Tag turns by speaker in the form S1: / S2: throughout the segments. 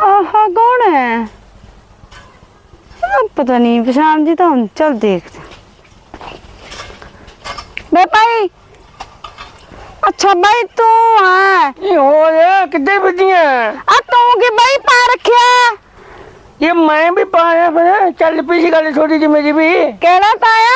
S1: आहा कौन है? पता नहीं पहचान जी तो हम चल देखते बे भाई। अच्छा भाई तू है
S2: हो गया कितने बजिया
S1: तू की भाई पा रखिया
S2: ये मैं भी पाया फिर चल पी सी गल छोटी जी मेरी भी
S1: केड़ा पाया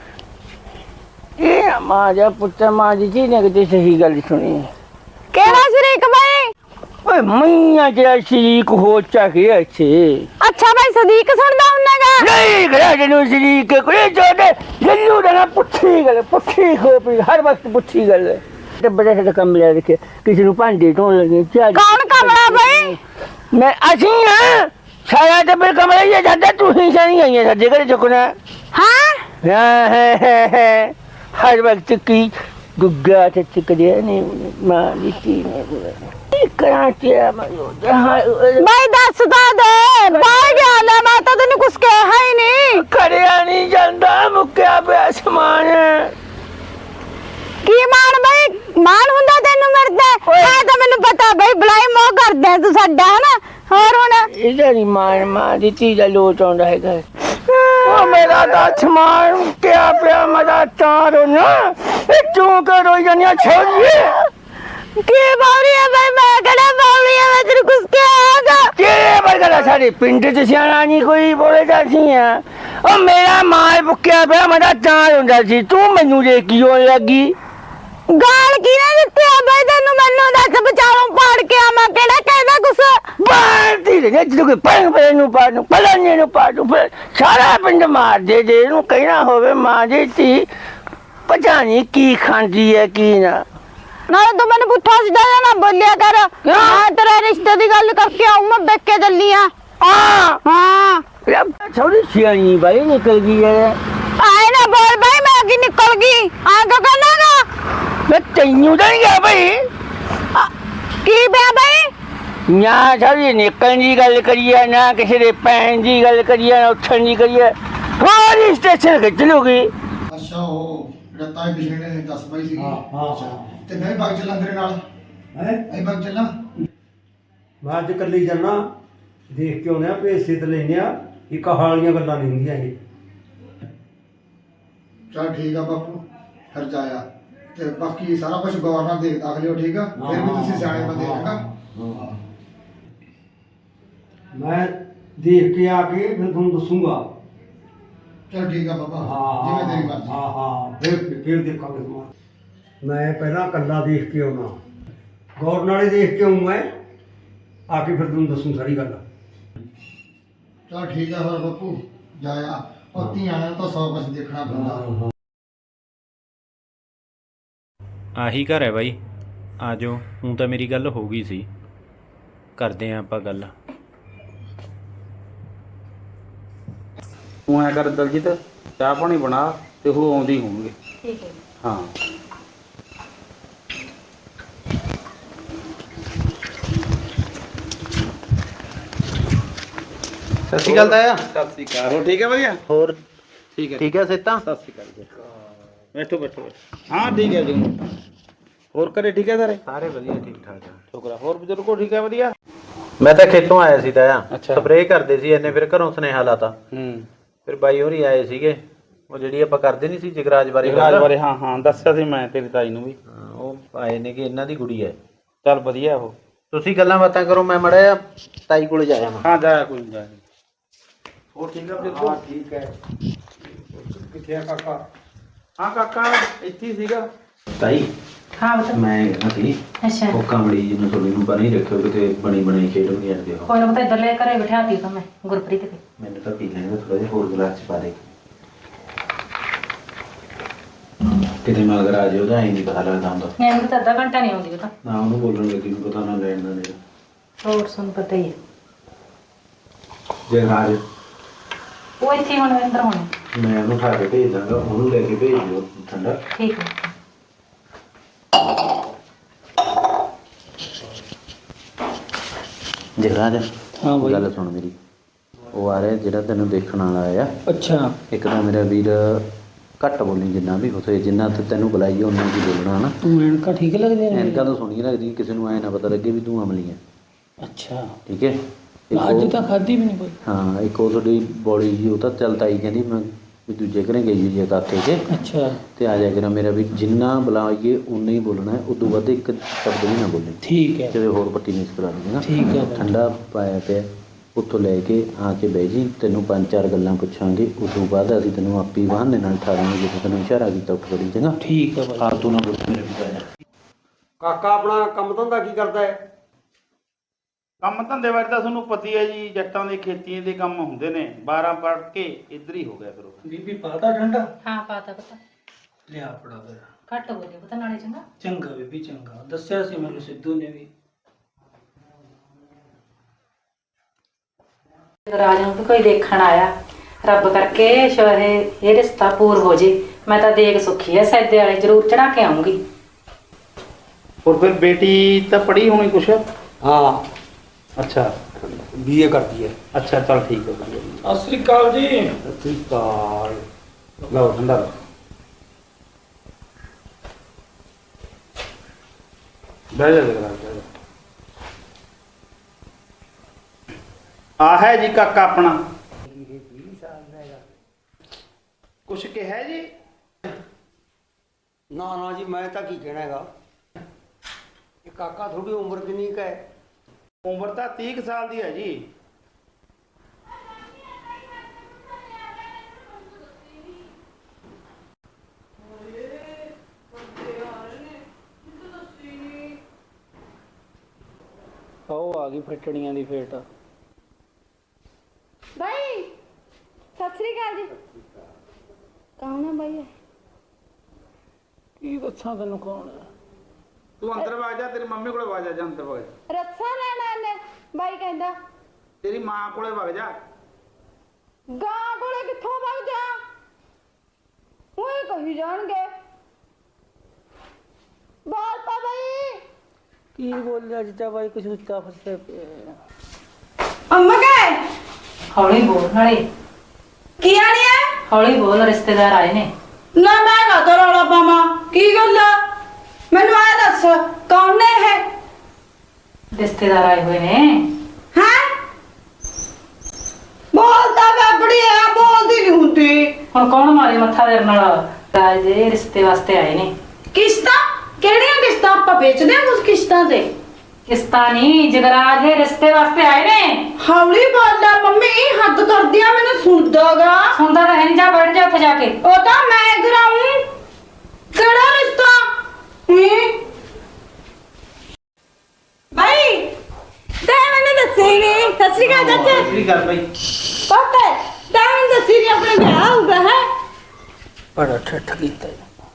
S2: ये मां जा पुत्र मां जी ने कितनी सही गल सुनी
S1: केड़ा शरीक भाई?
S2: ओए मैया तेरा शरीक हो चाहिए अच्छे
S1: अच्छा भाई सदीक सुनदा हुन्नागा
S2: नहीं गया जनु शरीक कोई जोड़े जल्लू ना पुट्ठी खोपड़ी हर वक्त पुट्ठी गल ते बड़े से कमरे रखे किसी नु भांडे ढोन लगे
S1: कौन कमरा भाई?
S2: मैं असी हां सारा ते फिर कमरा ही जाता तू ही सारी आई है साडे घरे चुकना
S1: हां
S2: हर वक्त की गुग्गा ते चिकड़े नहीं मां दी ने कराची
S1: भाई दसदा दे बाहर गया ना मैं तो तेन कुछ कहा ही नहीं
S2: करिया नहीं जाता मुक्या पे आसमान
S1: की मान भाई मान हुंदा तेनू मरदा है तो मैनू पता भाई बलाई मोह करदा तू साडा है ना और हुन
S2: इधर ही मां दी ती दा लोट आंदा है घर ओ मेरा आसमान क्या पे मजा तारो ना तू करो जनिया छोड़िए
S1: की बारी है भाई मैं कड़ा बारी है मैं तेरे कुछ कहागा
S2: तेरे बरगला सारे पिंड च सियाना नहीं कोई बोले जासी है ओ मेरा माल भुक्या पे मजा तार हुंदा सी तू मैनू दे की होने लगी
S1: गाल की ना दित्ती है भाई तेनू मैनू दस बचाओ पाड़ के आ मैं केड़ा कहदा कुछ
S2: बाती रे जद कोई पंग पे नु पाड़ू पलाने नु पाड़ू फिर सारा पिंड मार दे जे नु कहना होवे मां दी ती पता नहीं की खांदी है की ना
S1: ना तू मैंने पुट्ठा सीधा ना बोलिया कर मैं तेरे रिश्ते की गल करके आऊं मैं बेच के चली हां
S2: थोड़ी सियानी भाई निकल गई है
S1: आए ना बोल भाई मैं आगे निकल गई आगे करना ना
S2: मैं तैनू तो नहीं गया भाई
S1: की बे भाई
S2: ना सारी निकलने की गल करिए ना किसी ने पैन की गल करिए ना उठन की करिए सारी स्टेशन खिंच लोगी
S3: अच्छा हो रता है पिछले ने 10 पाई सी अच्छा ते मैं भाग चला तेरे नाल
S4: है
S3: आई भाग चला
S4: मैं अज कल्ली जाना देख के आने भेज से लेने एक हालियां गल्लां नहीं होंदियां ये
S3: चल ठीक है बापू फिर जाया ते बाकी सारा कुछ गौर नाल देख दाख लियो ठीक है फिर भी तुसी सियाणे बंदे हैगा
S4: मैं देख के आके फिर तुम दसूंगा
S3: चल ठीक है बाबा
S4: हाँ
S3: जिवें तेरी मर्जी
S4: हाँ हाँ फिर देखा मैं पहला कल्ला देख के आना गौर नाले देख के आऊँ मैं आके फिर तुम दसूँ सारी गल
S3: चल ठीक है फिर बापू जाया और धीआं तो 100 कुछ देखना पैंदा
S5: ਆਹੀ ਘਰ ਹੈ ਬਾਈ ਆ ਜਾਓ ਹੁਣ ਤਾਂ ਮੇਰੀ ਗੱਲ ਹੋ ਗਈ ਸੀ ਕਰਦੇ ਆਂ ਆਪਾਂ ਗੱਲ
S6: ਤੂੰ ਐ ਕਰ ਦਲਜੀਤ ਚਾਹ ਪਾਣੀ ਬਣਾ ਤੇ ਉਹ ਆਉਂਦੀ ਹੋਣਗੇ
S1: ठीक है
S6: ਹਾਂ ਸਤਿ ਸ਼੍ਰੀ ਅਕਾਲ ਤਾਇਆ ਸਤਿ ਸ਼੍ਰੀ ਅਕਾਲ ਹੋ ਠੀਕ ਹੈ ਵਧੀਆ
S5: ਹੋਰ
S6: ਠੀਕ ਹੈ
S5: ਠੀਕ ਹੈ ਸੇਤਾ
S6: ਸਤਿ ਸ਼੍ਰੀ ਅਕਾਲ ਜੀ ਬੈਠੋ ਬੈਠੋ ਹਾਂ ਠੀਕ ਹੈ ਜੀ ਹੋਰ ਘਰੇ ਠੀਕ ਹੈ ਸਾਰੇ
S5: ਸਾਰੇ ਵਧੀਆ ਠੀਕ ਠਾਕ ਆ
S6: ਸ਼ੁਕਰ ਹੋਰ ਬਜ਼ੁਰਗੋ ਠੀਕ ਹੈ ਵਧੀਆ
S5: ਮੈਂ ਤਾਂ ਖੇਤੋਂ ਆਇਆ ਸੀ ਤਾਇਆ
S6: ਅੱਛਾ।
S5: ਸਪਰੇਅ ਕਰਦੇ ਸੀ ਇਹਨੇ ਫਿਰ ਘਰੋਂ ਸੁਨੇਹਾ ਲਾਤਾ
S6: ਹੂੰ
S5: ਫਿਰ ਬਾਈ ਹੋਰੀ ਆਏ ਸੀਗੇ ਉਹ ਜਿਹੜੀ ਆਪਾਂ ਕਰਦੇ ਨਹੀਂ ਸੀ ਜਗਰਾਜ ਬਾਰੇ
S6: ਰਾਜ
S5: ਗੱਲ।
S6: ਬਾਰੇ ਹਾਂ ਹਾਂ ਦੱਸਿਆ ਸੀ ਮੈਂ ਤੇਰੀ ਤਾਈ ਨੂੰ ਵੀ
S5: ਹਾਂ, ਉਹ ਆਏ ਨੇ ਕਿ ਇਹਨਾਂ ਦੀ ਕੁੜੀ ਹੈ
S6: ਚੱਲ ਵਧੀਆ ਉਹ
S5: ਤੁਸੀਂ ਗੱਲਾਂ ਬਾਤਾਂ ਕਰੋ ਮੈਂ ਮੜਿਆ ਤਾਈ ਕੋਲ ਜਾਇਆ ਮੈਂ
S6: ਹਾਂ ਜਾਇਆ ਕੋਈ ਜਾ
S4: ਹੋਰ ਠੀਕ ਹੈ ਬਜ਼ੁਰਗੋ ਠੀਕ ਹੈ ਕਿੱਥੇ ਆ ਕਾਕਾ
S6: ਹਾਂ ਕਾਕਾ ਇੱਥੇ ਹੀ ਸੀਗਾ
S5: ਤਾਈ
S1: हां बता
S5: ਮੈਂ ਕਹਿੰਦਾ ਸੀ
S1: अच्छा
S5: ਉਹ ਕਮੜੀ ਜਿਹਨੂੰ ਥੋੜੀ ਨੂੰ ਬਣੀ ਰੱਖਿਓ ਕਿਤੇ ਬਣੀ ਬਣਾਈ ਖੇਡ ਹੋ ਜਾਂਦੇ ਹੋ
S1: कोई ना पता इधर ले करे बिठाती तो मैं गुरप्रीत के
S5: ਮੈਨੂੰ ਤਾਂ ਪੀ ਲੈਣਾ ਥੋੜਾ ਜਿਹਾ ਹੋਰ ਗਲਾਸ ਚ ਪਾ ਦੇ ਕਿਤੇ ਮਗਰ ਆ ਜਾਓ ਤਾਂ ਐਂ ਨਹੀਂ ਪਤਾ ਲੱਗਦਾ ਹੁੰਦਾ
S1: मैं तो आधा घंटा नहीं आऊंगी बता
S5: ਨਾ ਉਹਨੂੰ ਬੋਲਣ ਲੱਗੀ ਨੂੰ ਪਤਾ ਨਾ ਲੈਣ ਦਾ ਨਹੀਂ
S1: और सुन पता ही है
S5: ਜੇ ਰਾਜ
S1: वो इतनी होने अंदर होने
S5: ਮੈਂ ਉਹਨੂੰ ਉਠਾ ਕੇ ਭੇਜ ਦਾਂਗਾ ਉਹਨੂੰ ਲੈ ਕੇ ਭੇਜ ਦਿਓ ਠੰਡਾ
S1: ठीक है
S5: ਜਗਰਾਜ
S6: ਹਾਂ ਬਾਈ।
S5: ਗੱਲ ਸੁਣ ਮੇਰੀ ਉਹ ਆ ਰਿਹਾ ਜਿਹੜਾ ਤੈਨੂੰ ਦੇਖਣ ਵਾਲਾ ਆ
S6: ਅੱਛਾ
S5: ਇੱਕ ਤਾਂ ਮੇਰਾ ਵੀਰ ਘੱਟ ਬੋਲੀ ਜਿੰਨਾ ਵੀ ਹੋਵੇ ਜਿੰਨਾ ਤੇ ਤੈਨੂੰ ਬੁਲਾਈਏ ਉਹਨਾਂ ਦੀ ਬੋਲਣਾ ਹਨਾ
S6: ਤੂੰ ਐਨਕਾਂ ਠੀਕ ਲੱਗਦੇ ਨੇ
S5: ਐਨਕਾਂ ਤਾਂ ਸੋਹਣੀਆਂ ਲੱਗਦੀ ਕਿਸੇ ਨੂੰ ਐ ਨਾ ਪਤਾ ਲੱਗੇ ਵੀ ਤੂੰ ਅਮਲੀ ਹੈ
S6: ਅੱਛਾ
S5: ਠੀਕ ਹੈ
S7: ਅੱਜ ਤਾਂ ਖਾਧੀ ਵੀ ਨਹੀਂ ਕੋਈ।
S5: ਹਾਂ ਇੱਕ ਉਹ ਤੁਹਾਡੀ ਬੋਲੀ ਜੀ ਉਹ ਤਾਂ ਚੱਲ ਤਾਈ ਕਹਿੰਦੀ ਮੈਂ ਵੀ ਦੂਜੇ ਘਰੇ ਗਈ ਹੋਈ ਹੈ ਕਾਕੇ 'ਚ
S7: ਅੱਛਾ
S5: ਤੇ ਆ ਜਾ ਕੇ ਨਾ ਮੇਰਾ ਵੀ ਜਿੰਨਾ ਬੁਲਾਈਏ ਉਨਾ ਹੀ ਬੋਲਣਾ ਹੈ, ਉਦੋਂ ਵੱਧ ਇੱਕ ਸ਼ਬਦ ਵੀ ਨਾ ਬੋਲੇ।
S7: ਠੀਕ ਹੈ
S5: ਕਿਤੇ ਹੋਰ ਪੱਟੀ ਨਹੀਂ ਕਰਾ ਦੇਣਾ।
S7: ਠੀਕ ਹੈ ਬਾਈ।
S5: ਠੰਡਾ ਪਾਇਆ ਪਿਆ ਉੱਥੋਂ ਲੈ ਕੇ ਆ ਕੇ ਬਹਿ ਜੀ, ਤੈਨੂੰ 5-4 ਗੱਲਾਂ ਪੁੱਛਾਂਗੇ, ਉਦੋਂ ਬਾਅਦ ਅਸੀਂ ਤੈਨੂੰ ਆਪੀ ਬਹਾਨੇ ਨਾਲ ਠਾਰਾਂਗੇ ਜਦੋਂ ਤੈਨੂੰ ਇਸ਼ਾਰਾ ਕੀਤਾ ਉੱਠ ਖੜੀ ਚੰਗਾ।
S7: ਠੀਕ ਹੈ ਬਾਈ।
S5: ਫਾਲਤੂ ਨਾ ਬੋਲ ਮੇਰੇ ਪਿਤਾ।
S4: ਕਾਕਾ ਆਪਣਾ ਕੰਮ ਧੰਦਾ ਕੀ ਕਰਦਾ ਹੈ?
S6: ਕੰਮ ਧੰਦੇ ਬਾਰੇ ਤਾਂ ਤੁਹਾਨੂੰ ਪਤਾ ਹੀ ਹੈ ਜੀ, ਜੱਟਾਂ ਦੇ ਖੇਤੀ ਦੇ ਕੰਮ ਹੁੰਦੇ ਨੇ। 12 ਪੜ੍ਹ ਕੇ ਇੱਧਰ ਹੀ ਹੋ ਗਿਆ ਫਿਰ ਉਹ।
S7: ਬੀਬੀ ਪਾਤਾ ਠੰਡਾ?
S8: ਹਾਂ ਪਾਤਾ ਪਤਾ
S7: ਲਿਆ ਫੜਾ ਫਿਰ।
S8: ਘੱਟ ਹੋ ਗਿਆ ਪਤਾ ਨਾਲੇ ਚੰਗਾ।
S7: ਚੰਗਾ ਬੀਬੀ ਚੰਗਾ, ਦੱਸਿਆ ਸੀ ਮੈਨੂੰ ਸਿੱਧੂ ਨੇ ਵੀ।
S8: ਰਾਜ ਨੂੰ ਵੀ ਕੋਈ ਦੇਖਣ ਆਇਆ, ਰੱਬ ਕਰਕੇ ਸ਼ੋਹੇ ਇਹ ਰਿਸ਼ਤਾ ਪੂਰ ਹੋ ਜੇ। ਮੈਂ ਤਾਂ ਦੇਖ ਸੁੱਖੀ ਐ ਸੈਦੇ ਵਾਲੇ ਜ਼ਰੂਰ ਚੜਾ ਕੇ ਆਉਂਗੀ।
S6: ਹੋਰ ਫਿਰ ਬੇਟੀ ਤਾਂ ਪੜ੍ਹੀ ਹੋਣੀ ਕੁਛ?
S4: ਹਾਂ
S6: ਅੱਛਾ
S4: ਬੀਏ ਕਰਦੀ ਹੈ।
S6: ਅੱਛਾ ਚੱਲ ਠੀਕ ਹੈ ਵਧੀਆ ਜੀ।
S7: ਸਤਿ ਸ੍ਰੀ ਅਕਾਲ ਜੀ।
S6: ਸਤਿ ਸ਼੍ਰੀ ਅਕਾਲ। ਲਓ ਠੰਡਾ ਲਓ। ਬਹਿ ਜਾ ਜਰਾ ਬਹਿ ਜਾ। ਆ ਹੈ ਜੀ ਕਾਕਾ ਆਪਣਾ। ਕੁਛ ਕਿਹਾ ਜੀ?
S4: ਨਾ ਨਾ ਜੀ ਮੈਂ ਤਾਂ ਕੀ ਕਹਿਣਾ ਹੈਗਾ, ਇਹ ਕਾਕਾ ਥੋੜੀ ਉਮਰ ਕਿੰਨੀ ਕੁ ਹੈ?
S6: ਉਮਰ ਤਾਂ 30 ਕੁ ਸਾਲ ਦੀ ਹੈ ਜੀ।
S7: ਉਹ ਆ ਗਈ ਫਟੜੀਆਂ ਦੀ ਫੇਟ।
S1: ਬਾਈ ਸਤਿ ਸ੍ਰੀ ਅਕਾਲ ਜੀ। ਕੌਣ ਹੈ ਬਾਈ?
S7: ਕੀ ਦੱਸਾਂ ਤੈਨੂੰ ਕੌਣ ਹੈ?
S6: ਤੂੰ ਅੰਦਰ ਵਗ ਜਾ, ਤੇਰੀ ਮੰਮੀ ਕੋਲੇ ਵਗ ਜਾ, ਅੰਦਰ ਵਗ ਜਾ।
S1: ਰੱਸਾ ਲੈਣਾ ਇਹਨੇ ਬਾਈ ਕਹਿੰਦਾ।
S6: ਤੇਰੀ ਮਾਂ ਕੋਲੇ ਵਗ ਜਾ।
S1: ਗਾਂ ਕੋਲੇ ਕਿੱਥੋਂ ਵਗ ਜਾ? ਉਹ ਕਹੀ ਜਾਣਗੇ। ਬਾਲ ਪਾ ਬਾਈ।
S7: ਕੀ ਬੋਲਿਆ ਜਿੱਤਾ ਬਾਈ, ਕੁਛ ਉੱਚਾ ਫਸੇ ਪਿਆ।
S1: ਅੰਮਾ ਕਹੇ
S8: ਹੌਲੀ ਬੋਲ ਨਾਲੇ,
S1: ਕੀ ਆਣੀ ਹੈ?
S8: ਹੌਲੀ ਬੋਲ, ਰਿਸ਼ਤੇਦਾਰ ਆਏ ਨੇ।
S1: ਨਾ ਮੈਂ ਨਾ ਤੋ ਰੌਲਾ ਪਾਵਾਂ। ਕੀ ਗੱਲ ਆ? ਮੈਨੂੰ ਆ ਦੱਸ ਕੌਣ ਨੇ ਇਹ?
S8: ਰਿਸ਼ਤੇਦਾਰ ਆਏ ਹੋਏ ਨੇ।
S1: ਹੈ ਬੋਲਦਾ ਬਾਬੜੀ ਆ, ਬੋਲਦੀ ਨਹੀਂ ਹੁੰਦੀ।
S8: ਹੁਣ ਕੌਣ ਮਾਰੇ ਮੱਥਾ ਤੇਰੇ ਨਾਲ? ਰਾਜ ਦੇ ਰਿਸ਼ਤੇ ਵਾਸਤੇ ਆਏ ਨੇ।
S1: ਕਿਸ਼ਤਾਂ? ਕਿਹੜੀਆਂ ਕਿਸ਼ਤਾਂ? ਆਪਾਂ ਵੇਚਦੇ ਹਾਂ ਉਸ ਕਿਸ਼ਤਾਂ ਤੇ।
S8: ਕਿਸ਼ਤਾਂ ਨਹੀਂ, ਜਗਰਾਜ ਦੇ ਰਿਸ਼ਤੇ ਵਾਸਤੇ ਆਏ ਨੇ।
S1: ਹੌਲੀ ਬੋਲਦਾ ਮੰਮੀ, ਹੱਦ ਕਰਦੀ ਆ, ਮੈਨੂੰ ਸੁਣਦਾਗਾ।
S8: ਸੁਣਦਾ ਤਾਂ ਹੈ ਨੀ, ਜਾ ਬੈਠ ਜਾ ਉੱਥੇ ਜਾ ਕੇ।
S1: ਉਹ ਤਾਂ ਮੈਂ ਕਰਾਉਂ। ਕਿਹੜਾ ਰਿਸ਼ਤਾ? ਭਾਈ ਤੇ ਮੈਨੂੰ ਦੱਸੀ ਨਹੀਂ। ਸਤਿ ਸ਼੍ਰੀ ਅਕਾਲ ਚਾਚਾ।
S6: ਸਤਿ ਸ਼੍ਰੀ ਅਕਾਲ ਬਾਈ।
S1: ਪਤਾ ਤੇ ਮੈਨੂੰ ਦੱਸੀ ਨਹੀਂ ਆਪਣੇ ਵਿਆਹ ਹੋਊਗਾ ਹੈ।
S7: ਬੜਾ ਠੱਠ ਕੀਤਾ।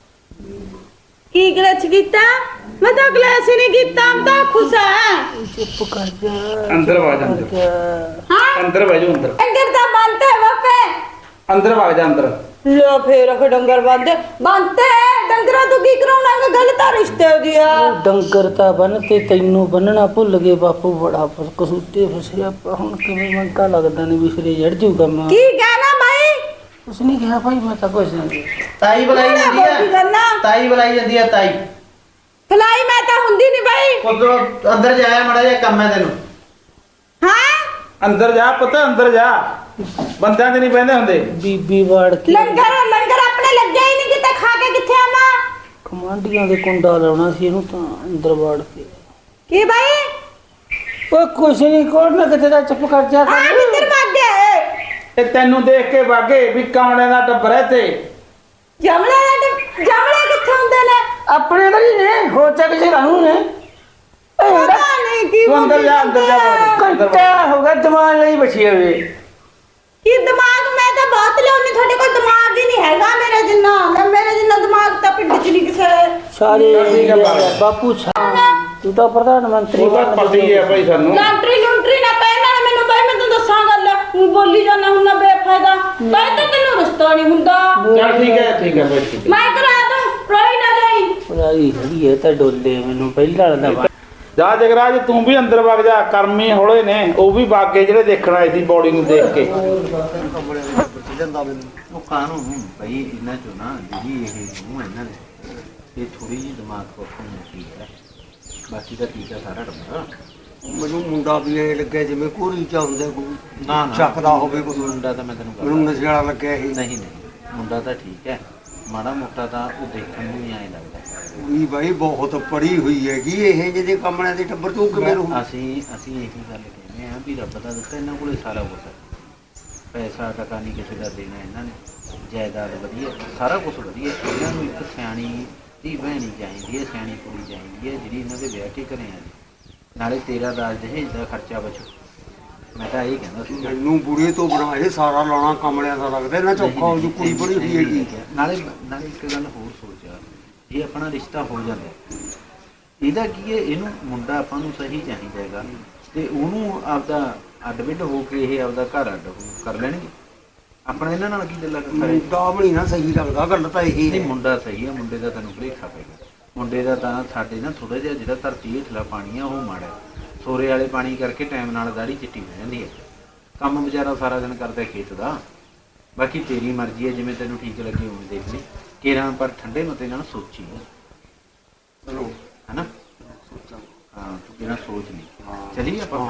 S1: ਕੀ ਗਲਤ ਕੀਤਾ? ਮੈਂ ਤਾਂ ਗਲਤ ਹੀ ਨਹੀਂ ਕੀਤਾ, ਮੈਂ ਤਾਂ ਖੁਸ਼ ਹਾਂ।
S7: ਚੁੱਪ ਕਰ ਜਾ।
S6: ਅੰਦਰ ਵਗ ਜਾ, ਅੰਦਰ।
S1: ਹਾਂ
S6: ਅੰਦਰ ਬਹਿ ਜਾ, ਅੰਦਰ।
S1: ਅੰਦਰ ਤਾਂ ਬੰਦ ਹੈ ਬਾਪੇ।
S6: ਅੰਦਰ ਵਗ ਜਾ, ਅੰਦਰ।
S1: ਲੋ ਫੇਰ ਅਖ ਡੰਗਰ ਬੰਦੇ ਡੰਗਰਾਂ ਤੋਂ ਕੀ ਕਰਾਉਣਾ? ਗੱਲ ਤਾਂ ਰਿਸ਼ਤੇ ਦੀ ਆ।
S7: ਡੰਗਰ ਤਾਂ ਬੰਨ ਤੇ ਤੈਨੂੰ ਬੰਨਣਾ ਭੁੱਲ ਗਏ ਬਾਪੂ। ਬੜਾ ਕਸੂਤੇ ਫਸਿਆ ਪਿਆ। ਹੁਣ ਕਿਵੇਂ ਮੰਗਾ ਲੱਗਦਾ ਨਹੀਂ ਵੀ ਸਿਰੇ ਚੜ ਜੂ ਕੰਮ।
S1: ਕੀ ਕਹਿਣਾ ਭਾਈ?
S7: ਕੁਛ ਨਹੀਂ ਕਿਹਾ ਭਾਈ, ਮੈਂ ਤਾਂ ਕੁਛ ਨਹੀਂ।
S9: ਤਾਈ ਬੁਲਾਈ ਜਾਂਦੀ ਆ। ਤਾਈ ਬੁਲਾਈ ਜਾਂਦੀ ਆ। ਤਾਈ
S1: ਫਲਾਈ ਮੈਂ ਤਾਂ ਹੁੰਦੀ ਨਹੀਂ ਭਾਈ।
S9: ਉਧਰੋਂ ਅੰਦਰ ਜਾਇਆ, ਮੜਾ ਜਿਹਾ ਕੰਮ ਹੈ ਤੈਨੂੰ।
S1: ਹਾਂ
S6: ਅੰਦਰ ਜਾ ਪੁੱਤ, ਅੰਦਰ ਜਾ। ਬੰਦਿਆਂ 'ਚ ਨਹੀਂ ਬਹਿੰਦੇ ਹੁੰਦੇ।
S7: ਬੀਬੀ ਵਾੜ ਕੇ
S1: ਲੰਗਰ ਆਪਣੇ ਲੱਗਿਆ ਹੀ ਨਹੀਂ, ਕਿਤੇ ਖਾ ਕੇ ਕਿੱਥੇ ਆਵਾਂ?
S7: ਕਮਾਂਡੀਆਂ ਦੇ ਕੁੰਡਾ ਲਾਉਣਾ ਸੀ ਇਹਨੂੰ ਤਾਂ ਅੰਦਰ ਵਾੜ ਕੇ।
S1: ਕੀ ਭਾਈ?
S7: ਉਹ ਕੁਛ ਨਹੀਂ, ਕੋਲ ਨਾ ਕਿਤੇ ਦਾ ਚੁੱਪ ਕਰ ਜਾ।
S1: ਹਾਂ ਕਿੱਧਰ ਭੱਗ ਗਏ?
S6: ਇਹ ਤੈਨੂੰ ਦੇਖ ਕੇ ਵਾਗੇ ਵੀ ਕਮਲੇ ਦਾ ਟੱਬਰ ਹੈ ਤੇ।
S1: ਜਮਲੇ ਕਿੱਥੇ ਹੁੰਦੇ ਨੇ?
S7: ਆਪਣੇ ਵਾਲੀ ਨੇ ਹੋ ਚੱਕ ਜੇ ਰਹੂ ਨੇ।
S1: ਪਤਾ ਨਹੀਂ ਕੀ
S6: ਤੂੰ ਅੰਦਰ ਜਾ, ਅੰਦਰ ਜਾ।
S7: ਘੰਟਾ ਹੋ ਗਿਆ ਦਿਮਾਗ ਨਹੀਂ ਬਚੀ ਹੋਵੇ।
S1: ਕੀ ਦਿਮਾਗ? ਮੈਂ ਤਾਂ ਬਹੁਤ ਲਿਆਉਣੀ, ਤੁਹਾਡੇ ਕੋਲ ਦਿਮਾਗ ਹੀ ਨਹੀਂ ਹੈਗਾ ਮੇਰੇ ਜਿੰਨਾ। ਮੇਰੇ ਜਿੰਨਾ ਦਿਮਾਗ ਤਾਂ ਪਿੰਡ 'ਚ ਨਹੀਂ ਕਿਸੇ।
S7: ਸਾਰੇ ਬਾਪੂ ਤੂੰ ਤਾਂ ਪ੍ਰਧਾਨ ਮੰਤਰੀ
S6: ਉਹ ਤਾਂ ਪਤਾ ਹੀ ਹੈ ਭਾਈ ਸਾਨੂੰ।
S1: ਲੰਟਰੀ ਨਾ ਪੈ ਨਾਲ ਮੈਨੂੰ ਭਾਈ, ਮੈਂ ਤੈਨੂੰ ਦੱਸਾਂ ਗੱਲ। ਤੂੰ ਬੋਲੀ ਜਾਂਦਾ ਹੁਣ ਨਾ ਬੇਫਾਇਦਾ। ਭਾਈ ਤਾਂ ਤੈਨੂੰ ਰਸਤਾ ਨਹੀਂ ਹੁੰਦਾ।
S6: ਚੱਲ ਠੀਕ ਹੈ ਭਾਈ, ਠੀਕ ਹੈ।
S1: ਮੈਂ ਕਰਾ ਦੂੰ, ਰੋਈ ਨਾ ਜਾਈ।
S7: ਪੁਰਾਈ ਖੜੀ ਹੈ ਤਾਂ ਡੋਲੇ ਮੈਨੂੰ ਪਹਿਲਾਂ ਵਾਲਾ
S6: ਜਾ ਜਗਰਾਜ, ਤੂੰ ਵੀ ਅੰਦਰ ਵਗ ਜਾ। ਕਰਮੀ ਹੋਲੇ ਨੇ, ਉਹ ਵੀ ਬਾਗੇ ਜਿਹੜੇ ਦੇਖਣ ਆਏ ਸੀ ਬੋਡੀ ਨੂੰ ਦੇਖ ਕੇ।
S9: ਉਹ ਕਾਨੂੰਨ ਭਾਈ ਇਹਨਾਂ ਚੋਂ ਨਾ ਜਿਹੜੀ ਇਹ ਨੂੰ ਇਹਨਾਂ ਨੇ ਇਹ ਥੋੜੀ ਜਿਹੀ ਦਿਮਾਗ ਪੱਖੋਂ ਮੁੱਕੀ ਹੈ। ਬਾਕੀ ਦਾ ਠੀਕ ਹੈ ਸਾਰਾ ਟੱਬਰ।
S4: ਮੈਨੂੰ ਮੁੰਡਾ ਵੀ ਇਹ ਲੱਗਿਆ ਜਿਵੇਂ ਕੋਰੀ ਚ ਹੁੰਦਾ ਕੋਈ
S5: ਨਾ ਨਾ
S4: ਚੱਕਦਾ ਹੋਵੇ ਕੋਈ
S5: ਮੁੰਡਾ ਤਾਂ ਮੈਂ ਤੈਨੂੰ
S4: ਮੈਨੂੰ ਨਸ਼ੇ ਵਾਲਾ ਲੱਗਿਆ ਇਹ
S5: ਨਹੀਂ ਨਹੀਂ ਮੁੰਡਾ ਤਾਂ ਠੀਕ ਹੈ, ਮਾੜਾ ਮੋਟਾ ਤਾਂ ਉਹ ਦੇਖਣ ਨੂੰ ਹੀ ਐਂ ਲੱਗਦਾ।
S4: ਵੀ ਬਾਈ ਬਹੁਤ ਪੜੀ ਹੋਈ ਹੈਗੀ ਇਹ ਜਿਹੇ ਕੰਮਣਿਆਂ ਦੇ ਟੱਬਰ ਤੋਂ ਕਿਵੇਂ ਰਹੂ?
S5: ਅਸੀਂ ਇਹੀ ਗੱਲ ਕਹਿੰਦੇ ਆ ਵੀ ਰੱਬ ਦਾ ਦਿੱਤਾ ਇਹਨਾਂ ਕੋਲੇ ਸਾਰਾ ਕੁਝ ਹੈ, ਪੈਸਾ ਟਕਾ ਨਹੀਂ ਕਿਸੇ ਦਾ ਦੇਣਾ ਇਹਨਾਂ ਨੇ, ਜਾਇਦਾਦ ਵਧੀਆ, ਸਾਰਾ ਕੁਝ ਵਧੀਆ। ਇਹਨਾਂ ਨੂੰ ਇੱਕ ਸਿਆਣੀ ਧੀ ਭੈਣੀ ਚਾਹੀਦੀ ਹੈ, ਸਿਆਣੀ ਕੁੜੀ ਚਾਹੀਦੀ ਹੈ ਜਿਹੜੀ ਇਹਨਾਂ ਦੇ ਵਿਆਹ ਕੇ ਘਰੇ ਆ ਜਾਏ, ਨਾਲੇ ਤੇਰਾ ਦਾਜ ਦਹੇਜ ਦਾ ਖਰਚਾ ਬਚੂ। ਮੈਂ ਤਾਂ ਇਹ ਕਹਿੰਦਾ ਸੀ
S4: ਮੈਨੂੰ ਬੁੜੇ ਤੋਂ ਬਣਾ ਇਹ ਸਾਰਾ ਲਾਉਣਾ ਕੰਮਣਿਆਂ ਦਾ ਲੱਗਦਾ ਇਹਨਾਂ ਚੌਖਾ ਹੋ ਜੂ ਕੁੜੀ ਬੜੀ ਹੋਈ ਹੈਗੀ।
S5: ਨਾਲੇ ਇੱਕ ਗੱਲ ਹੋਰ ਸੋਚਿਆ, ਇਹ ਆਪਣਾ ਰਿਸ਼ਤਾ ਹੋ ਜਾਂਦਾ ਇਹਦਾ ਕੀ ਹੈ, ਇਹਨੂੰ ਮੁੰਡਾ ਆਪਾਂ ਨੂੰ ਸਹੀ ਚਾਹੀਦਾ ਹੈਗਾ ਤੇ ਉਹਨੂੰ ਆਪਦਾ ਅੱਡ ਵਿੱਡ ਹੋ ਕੇ ਇਹ ਆਪਦਾ ਘਰ ਅੱਡ ਕਰ ਲੈਣਗੇ। ਆਪਣਾ ਇਹਨਾਂ ਨਾਲ ਕੀ ਗੱਲਾਂ ਕਰੇ?
S4: ਮੁੰਡਾ ਵੀ ਨਾ ਸਹੀ ਲੱਗਦਾ, ਗੱਲ ਤਾਂ ਇਹ
S5: ਨਹੀਂ
S4: ਹੈ।
S5: ਮੁੰਡਾ ਸਹੀ ਹੈ, ਮੁੰਡੇ ਦਾ ਤੈਨੂੰ ਭੁਲੇਖਾ ਪਏਗਾ। ਮੁੰਡੇ ਦਾ ਤਾਂ ਸਾਡੇ ਨਾ ਥੋੜਾ ਜਿਹਾ ਜਿਹੜਾ ਧਰਤੀ ਹੇਠਲਾ ਪਾਣੀ ਆ ਉਹ ਮਾੜਾ, ਸੋਰੇ ਵਾਲੇ ਪਾਣੀ ਕਰਕੇ ਟਾਈਮ ਨਾਲ ਦਾੜੀ ਚਿੱਟੀ ਹੋ ਜਾਂਦੀ ਹੈ। ਕੰਮ ਵਿਚਾਰਾ ਸਾਰਾ ਦਿਨ ਕਰਦਾ ਖੇਤ ਦਾ। ਬਾਕੀ ਤੇਰੀ ਮਰਜ਼ੀ ਹੈ, ਜਿਵੇਂ ਤੈਨੂੰ ਠੀਕ ਲੱਗੇ ਉਵੇਂ ਦੇਖ ਲਈ ਕੇਰਾਂ, ਪਰ ਠੰਡੇ ਮਤੇ ਨਾਲ ਸੋਚੀ
S4: ਚਲੋ
S5: ਹੈ ਨਾ। ਹਾਂ ਤੂੰ ਕਿਹਨਾਂ ਸੋਚ ਲਈ ਚਲੀਏ ਆਪਾਂ।